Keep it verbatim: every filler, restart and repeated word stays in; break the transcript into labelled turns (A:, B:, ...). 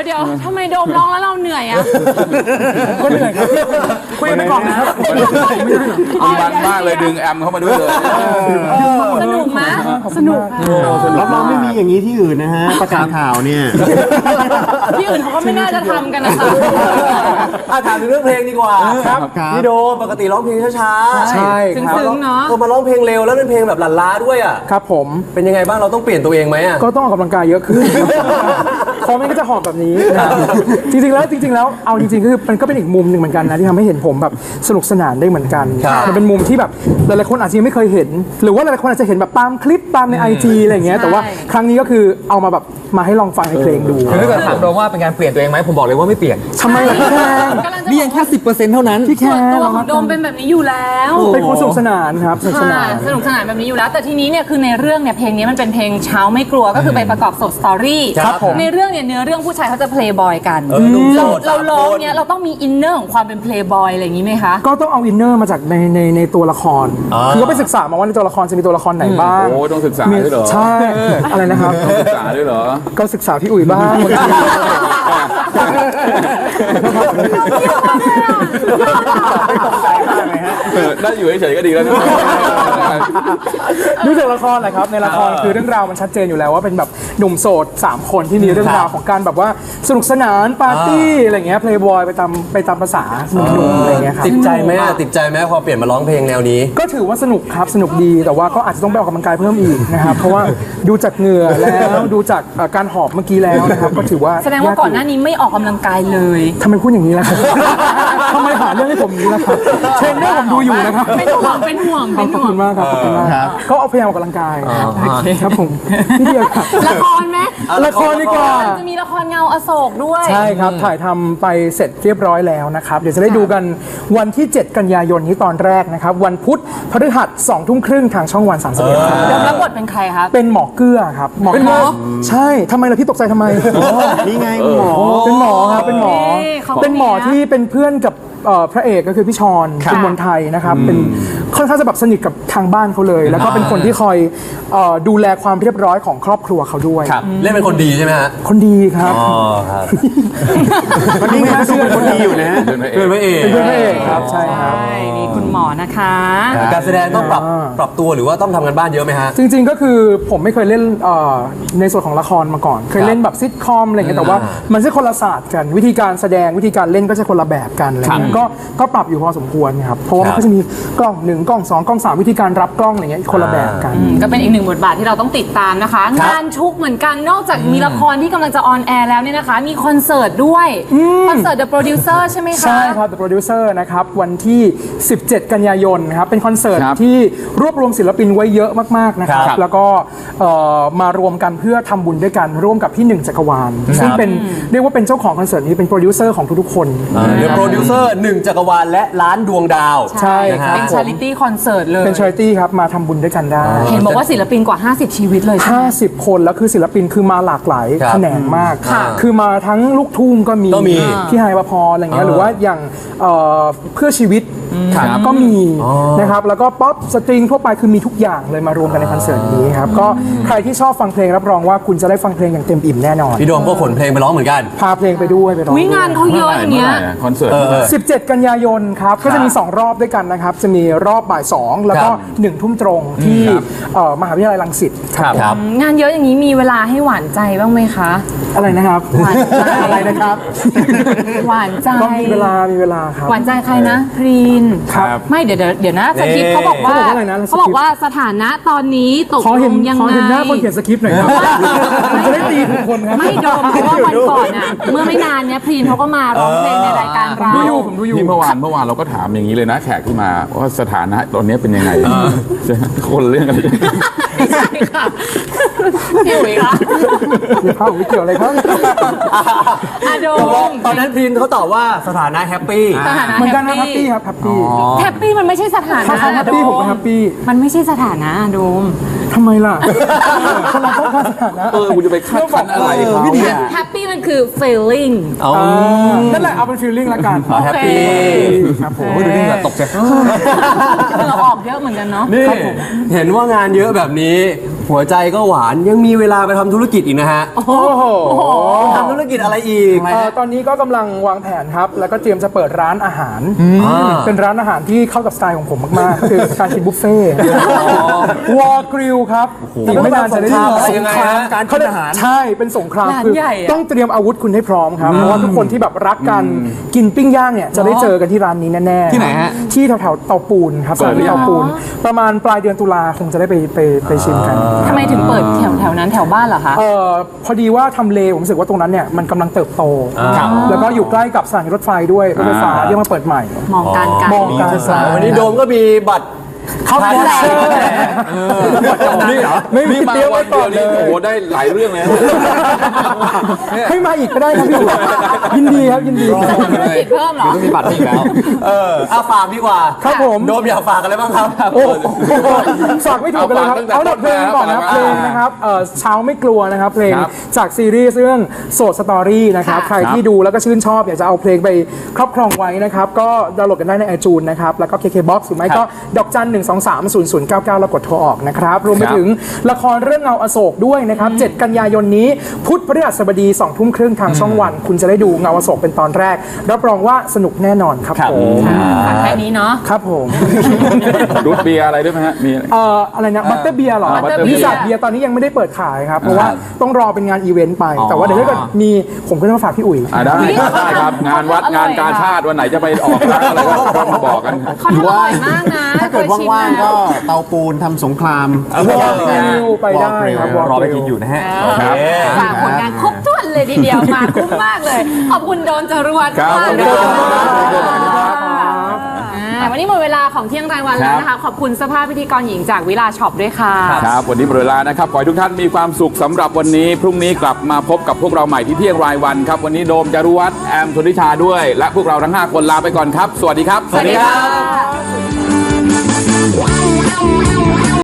A: ยวเดี๋ยวทำไมโดมร้องแล้วเราเหนื่อยอ่ะ
B: ก็เหนื่อยครับคุยไปก่อนนะครับ
C: มันมากเลยดึงแอมเข้ามาด้วยเลย
A: สนุกไหมสนุก
D: รับรองไม่มีอย่างนี้ที่อื่นนะฮะประกาศข่าวเนี่ย
A: ที่อื่นเขาก็ไม่น่าจะทำกันนะคะ
E: ถามถึงเรื่องเพลงดีกว่าครับพี่โดปกติร้องเพลงช้าๆ
B: ใช่ครับ
A: ซึ้งๆเนาะ
E: พอมาร้องเพลงเร็วแล้วเป็นเพลงแบบหลั่นล้าด้วยอ่ะ
B: ครับผม
E: เป็นยังไงบ้างเราต้องเปลี่ยนตัวเองไหมอ่ะ
B: ก็ต้องออกกำลังกายเยอะขึ้นพอไม่ก็จะหอบแบบนี้จริงๆแล้วจริงๆแล้วเอาจริงๆคือมันก็เป็นอีกมุมหนึ่งเหมือนกันนะที่ทำให้เห็นผมแบบสนุกสนานได้เหมือนกันมันเป็นมุมที่แบบหลายๆคนอาจจะยังไม่เคยเห็นหรือว่าหลายๆคนอาจจะเห็นแบบตามคลิปตามใน ไอ จี อะไรอย่างเงี้ยแต่ว่าครั้งนี้ก็คือเอามาแบบมาให้ลองฟังในเพลงดู
F: คือถ้าเกิดถามโดมว่าเป็นการเปลี่ยนตัวเองไหมผมบอกเลยว่าไม่เปลี่ยน
B: ทำไมล่ะพี่แคน
F: นี่ยังแค่สิบเปอร์เซ็นต์เท่านั้น
B: พี่แคน
A: ตัวของโดมเป็นแบบนี้อยู่แล้ว
B: เป็นคนสนุกสนานครับสนุกสนาน
A: สนุกสนานแบบนี้อยู่แล้วแต่ทีนี้เนี่ยคือในเรื่องเนี่ยเพลงนี้มันเป็นเพลงเช้าไม่กลัวก็คือไปประกอบโศกสตอรี่ในเรื่องเนี่ยเนื้อเรื่องผู้ชายเขาจะเพลย์บอยกันเราเราร้องเนี่ยเราต้องมีอินเนอร์ของความเป็นเพลย์บอยอะไรอย่างนี้ไหมคะ
B: ก็ต้องเอาอินเนอร์มาจากในในในตัวละครคือก็ไปศึกษามาว่าในตัวละครจะมีตัวละครไหนบ้าง
C: โอ้ต้องศึกษาด้วยเหรอ
B: ใช่อะไรนะครับ
C: ศึกษาด้วยเหรอ
B: ก็ศึกษาพี่อุ๋ยบ้าง
C: ได้อยู่เฉยๆก็ดีแล้วนะ
B: ดูจากละครแหละครับในละครคือเรื่องราวมันชัดเจนอยู่แล้วว่าเป็นแบบหนุ่มโสดสามคนที่มีเรื่องราวของการแบบว่าสนุกสนานปาร์ตี้อะไรเงี้ยเพลย์บอยไปตามไปตามภาษาหนุ่มๆอะไรเงี้ยครับ
E: ติดใจไหมอ่ะติดใจไหมพอเปลี่ยนมาร้องเพลงแนวนี้
B: ก็ถือว่าสนุกครับสนุกดีแต่ว่าก็อาจจะต้องไปออกกำลังกายเพิ่มอีกนะครับเพราะว่าดูจากเหงื่อแล้วดูจากการหอบเมื่อกี้แล้วนะครับก็ถือว่า
A: แสดงว่าก่อนหน้านี้ไม่ออกกำลังกายเลย
B: ทำไมพูดอย่างนี้ล่ะครับทำไมหาเรื่องให้ผมอย่างนี้ล่ะครับเทรนเนอร์ผมดูอยู่นะครับ
A: เป็นห่วงเป็นห่วงเป็นห่วง
B: ขอบคุณมากครับขอบคุณมากก็เอาพยายามออกกำลังกายครับผมพี่เดียวครับ
A: ละครไหม
B: ละครดีกว่า
A: จะมีละครเงาอโศกด้วย
B: ใช่ครับถ่ายทำไปเสร็จเรียบร้อยแล้วนะครับเดี๋ยวจะได้ดูกันวันที่เจ็ดกันยายนนี้ตอนแรกนะครับวันพุธพฤหัสสองทุ่มครึ่งทางช่องวันสามสิบเอ็ดครับ
A: แล้วบทเป็นใครครับ
B: เป็นหมอเกื้อครับ
A: เป็นหมอ
B: ใช่ทำไมล่ะพี่ตกใจทำไม
D: นี่ไงหมอ
B: เป็นหมอครับเป็นหมอเป็นหมอที่เป็นเพื่อนกับพระเอกก็คือพี่ชอนคุณมนไทยนะครับเป็นค่อนข้างจะแบบสนิทกับทางบ้านเขาเลยแล้วก็เป็นคนที่คอยดูแลความเรียบร้อยของครอบครัวเขาด้วย
E: เล่นเป็นคนดีใช่ไหมฮะ
B: คนดีครับ
E: อ๋อครับ
D: คนนี้งานดูเป็นคนดีอยู่นะ
E: เพื่อนพระเอก
B: เป็นเพื่อนพระเอกครับใช่ครับ
A: นี่คุณหมอนะคะ
E: การแสดงต้องปรับปรับตัวหรือว่าต้องทำกันบ้านเยอะไหมฮะ
B: จริงๆก็คือผมไม่เคยเล่นในส่วนของละครมาก่อนเคยเล่นแบบซิทคอมอะไรเงี้ยแต่ว่ามันใช่คนละศาสตร์กันวิธีการแสดงวิธีการเล่นก็จะคนละแบบกันอะไรเงี้ยก็ก็ปรับอยู่พอสมควรครับเพราะว่ามันก็จะมีกล้องหนึ่งกล้องสองกล้องสามวิธีการรับกล้องอะไรเงี้ยคนละแบบกัน
A: ก็เป็นอีกหนึ่งบทบาทที่เราต้องติดตามนะคะงานชุกเหมือนกันนอกจากมีละครที่กำลังจะออนแอร์แล้วเนี่ยนะคะมีคอนเสิร์ตด้วยคอนเสิร์ต The Producer ใช่ไหมคะ
B: ใช่ครับ The Producer นะครับวันที่สิบเจ็ดกันยายนนะครับเป็นคอนเสิร์ตที่รวบรวมศิลปินไว้เยอะมากๆนะครับแล้วก็มารวมกันเพื่อทำบุญด้วยกันร่วมกับพี่หนึ่งจักรวาลซึ่งเป็นเรียกว่าเป็นเจ้าของคอนเสิร์ตนี้เป็นโปรดิวเซอร์ของทุกๆคน
E: The Producer หนึ่งจักรวาลและล้านดวงดาว
B: ใช่ครับ
A: เป็น Charity Concert เลย
B: เป็น Charity ครับมาทำบุญด้วยกันได้
A: เห็นบอกว่าศิลปินกว่าห้าสิบชีวิตเลย
B: ห้าสิบคนแล้วคือศิลปินคือมาหลากหลายแขนงมากคือมาทั้งลูกทุ่งก็มีพี่ไฮปภรอะไรเงี้ยหรือว่าอย่างเพื่อชีวิตก็มีนะครับแล้วก็ป๊อปสตริงทั่วไปคือมีทุกอย่างเลยมารวมกันในคอนเสิร์ตนี้ครับก็ใครที่ชอบฟังเพลงรับรองว่าคุณจะได้ฟังเพลงอย่างเต็มอิ่มแน่นอน
E: พี่โดมก็ขนเพลงไปร้องเหมือนกัน
B: พาเพลงไปด้วยไปร้อง
A: วิงานเขาเยอะอย่างเงี้ย
C: คอนเสิร์ต
B: สิบเจ็ดกันยายนครับก็จะมีสองรอบด้วยกันนะครับจะมีรอบบ่ายสองแล้วก็หนึ่งทุ่มตรงที่มหาวิทยาลัยรังสิต
E: ครับ
A: งานเยอะอย่างนี้มีเวลาให้หวานใจบ้างไหมคะ
B: อะไรนะครับ
A: หวานใจ
B: อะไรนะครับ
A: หวานใจ
B: ก็มีเวลามีเวลาครับ
A: หวานใจใครนะพรีน
B: ครับ
A: ไม่เดี๋ยวเดี๋ยวนะสคริปต์เขาบอกว่าเขาบอกว่าสถานะตอนนี้ตกลงยังไง
B: ขอเห็นหน้าคนเขียนสคริปต์หน่อยครับจะได้ตีทุกคนครับ
A: ไม่โดมเพราะว่าวันก่อนอ่ะเมื่อไม่นานเนี้ยพรีนเขาก็มาร้องเพลงในรายการเรา
B: ดูอยู่ผมดูอยู่
C: เมื่อวานเมื่อวานเราก็ถามอย่างนี้เลยนะแขกที่มาว่าสถานะตอนนี้เป็นยังไงคนเรื่องอะไร
A: ไม่ใช่ค่ะพี่อุ๋ยคะ
B: เดี๋ยวเข้าไม่เกี่ยวอะไรครับ
A: อะโดม
E: ตอนนั้นพรีนเขาตอบว่าสถานะแฮปปี้
B: เหมือนกันนะแฮปปี้ครับแฮปปี้
A: แฮปปี้มันไม่ใช่สถานะ
B: แฮปปี้ผมก็แฮปปี้
A: มันไม่ใช่สถานะโดม
B: ทำไมล่ะคนเราต้องการสถานะ
C: เออคุณจะไปคาดคั้นอะไรเขา
A: แฮปปี้มันคือ feeling
B: นั่นแหละเอาเป็น feeling ละกัน
E: แฮปปี้
B: ครับผม
E: ดูนี่แบบตกใจ
A: เราออกเยอะเหมือนกันเนาะ
E: นี่เห็นว่างานเยอะแบบนี้หัวใจก็หวานยังมีเวลาไปทำธุรกิจอีกนะฮะ
B: โอ้โห
E: ทำธุรกิจอะไรอีก
B: เอ่อตอนนี้ก็กำลังวางแผนครับ แล้วก็เตรียมจะเปิดร้านอาหาร
E: อ่า
B: เป็นร้านอาหารที่เข้ากับสไตล์ของผมมาก ๆ คือการกินบุฟเฟ่วอลกริลครับอีกไม่นานจะได้
E: อะไรยังไงฮะ
B: การกินอาหารใช่เป็นสงคราม
A: ร้าน
B: คือ
A: ใหญ่อะ
B: ต้องเตรียมอาวุธคุณให้พร้อมครับ เพราะว่าทุกคนที่แบบรักกันกินปิ้งย่างเนี่ยจะได้เจอกันที่ร้านนี้แน่ๆ
F: ที่ไหนฮะ
B: ที่แถวๆเตาปูนครับสถานที่เตาปูน ประมาณปลายเดือนตุลาคงจะได้ไปไปไปชิมกัน
A: ทำไมถึงเปิดแถวแถวนั้นแถวบ้านเหรอคะ
B: เออพอดีว่าทำเลผมรู้สึกว่าตรงนั้นเนี่ยมันกำลังเติบโต แล้วก็อยู่ใกล้กับสถานีรถไฟด้วยรถไฟฟ้าที่มาเปิดใหม่
A: มองการไกล
B: มองการสาย
E: วันนี้โดมก็มีบัตร
B: เข้าไปแล้ว
C: นี่เหรอ
B: ไม่มี
C: นี่มา
B: เตรียมไว้
C: วัน
B: ก่
C: เดี
B: อย น
C: ว
B: เล
C: นี่โอ้
B: ย
C: โหได้หลายเรื่องเลยนะ
B: ให้มาอีกก็ได้ครับพี่อุ๋ยยินดีครับยินดี
A: จะทำธุรกิจเพิ่มเหรอ
F: ต้องมีบัตรอีกแล้ว
E: เออเอาฝากดีกว่า
B: ครับผม
E: โดมอยากฝากอะไรบ้างครับ
B: โอ้โหฝากไม่ถูกกันเลยครับ
C: เอา
B: เอา
C: ฝาก
B: ดับเพลงก่อนนะครับ
C: ตั้
B: เพ
C: ง
B: ล
C: แต่ต้นมา
B: งนะครับเอ่อเช้าไม่กลัวนะครับเพลง
C: ครับ
B: จากซีรีส์เรื่องโสดสตอรี่นะครับ
A: ค่ะ
B: ใครที่ดูแล้วก็ชื่นชอบอยากจะเอาเพลงไปครอบครองไว้นะครับก็ดาวน์โหลดกันได้ในไอจูนนะครับแล้วก็ เค เค บ็อกซ์ หรือไม่ก็ดอกจันหนึ่งสองสามศูนย์ศูนย์เก้าเก้าแล้วกดโทรออกนะครับรวมไป
C: ครับ
B: ถึงละครเรื่องเงาอโศกด้วยนะครับเจ็ดกันยายนนี้พุธพฤหัสบดีสองทุ่มครึ่งทางช่องวัน คุณจะได้ดูเงาอโศกเป็นตอนแรกรับรองว่าสนุกแน่นอนครับผม
A: ฝากแค่นี้เนาะ
B: ครับผม
C: รูทเบียร์อะไรด้วยไหมฮะมี
B: เอ่ออะไรนะบัตเตอร์เบียร์หรอ
C: อ่า Butter
B: วิ
C: Beer
B: สาเบียร์ตอนนี้ยังไม่ได้เปิดขายครับ เพราะว่าต้องรอเป็นงานอีเวนต์ไป แต่ว่าเดี๋ยวถ้าเกิดมีผมก็จะมาฝากพี่อุ๋ย
C: อ่าได้ได้ครับ งานวัดงานกาชาติวันไหนจะไปออกร้านอะไรก็ต้องมาบอกกัน
A: เขาทำอร่อยมากนะ
D: ถ้าเกิดว่างๆก็เตาปูนทำสงคราม
B: วอลกริลไปได้ครับ
D: วอลกริล
F: รอไปกินอยู่นะฮะ
C: ครับ
A: ฝากผลงานครบถ้วนเลยทีเดียวมาคุ้มมากเลย ขอบคุณโดนจรวด
C: ครับ
A: มาก
C: ขอบคุณ
A: เลย
C: ครับ
A: อ่าวันนี้หมดเวลาของเที่ยงรายวันแล้วนะคะ ขอบคุณเสื้อผ้าพิธีกรหญิงจากวิลาช็อปด้วยค่ะ
C: ครับ วันนี้หมดเวลานะครับ ขอให้ทุกท่านมีความสุขสำหรับวันนี้ พรุ่งนี้กลับมาพบกับพวกเราใหม่ที่เที่ยงรายวันครับ วันนี้โดมจารุวัฒน์แอมชนทิชาด้วย และพวกเราทั้งห้าคนลาไปก่อนครับ สวัสดีครับ
A: สวัสดีค่ะ
G: Wow, wow, wow.